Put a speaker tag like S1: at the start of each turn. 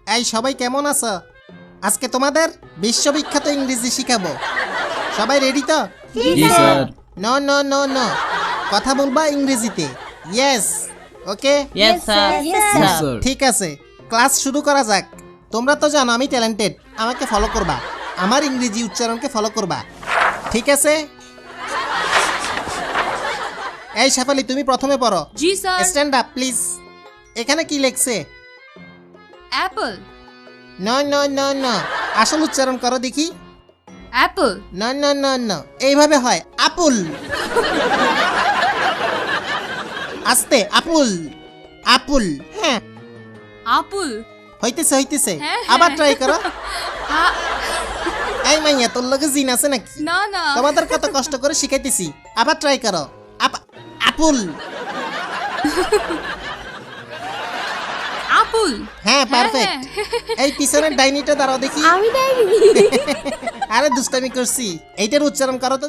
S1: এই সবাই কেমন আছো? আজকে তোমাদের বিশ্ববিখ্যাত ইংরেজি শিখাবো। সবাই রেডি তো?
S2: জি sir.
S1: No no no no, কথা বলবা ইংরেজিতে। Yes, okay,
S2: yes sir.
S3: Sir.
S1: ঠিক আছে, ক্লাস শুরু করা যাক। তোমরা তো জানো আমি ট্যালেন্টেড, আমাকে ফলো করবা, আমার ইংরেজি উচ্চারণকে ফলো করবা, ঠিক আছে? এই শেফালি, তুমি প্রথমে পড়ো।
S4: জি স্যার।
S1: Stand up please. এখানে কি লেখছে?
S4: Apple.
S1: No no no no, আসল উচ্চারণ করো দেখি।
S4: Apple.
S1: No no no no, এইভাবে হয় আপুল। আস্তে, আপুল আপুল। হ্যাঁ,
S4: আপুল।
S1: হইতেছে হইতেছে,
S4: হ্যাঁ,
S1: আবার
S4: হ্যাঁ।
S1: ট্রাই করো।
S4: হ্যাঁ।
S1: এই মাইয়া, তোর লগে জিন আছে নাকি?
S4: না না।
S1: তোমাদের কত কষ্ট করে শিখাইতেছি, আবার ট্রাই করো। আপুল।
S4: আপুল।
S1: হ্যাঁ, পারফেক্ট। এই পিছনের ডাইনিটা দাঁড়াও দেখি।
S3: আমি ডাইনি।
S1: আরে দুষ্টামি করছি, এইটার উচ্চারণ করো তো।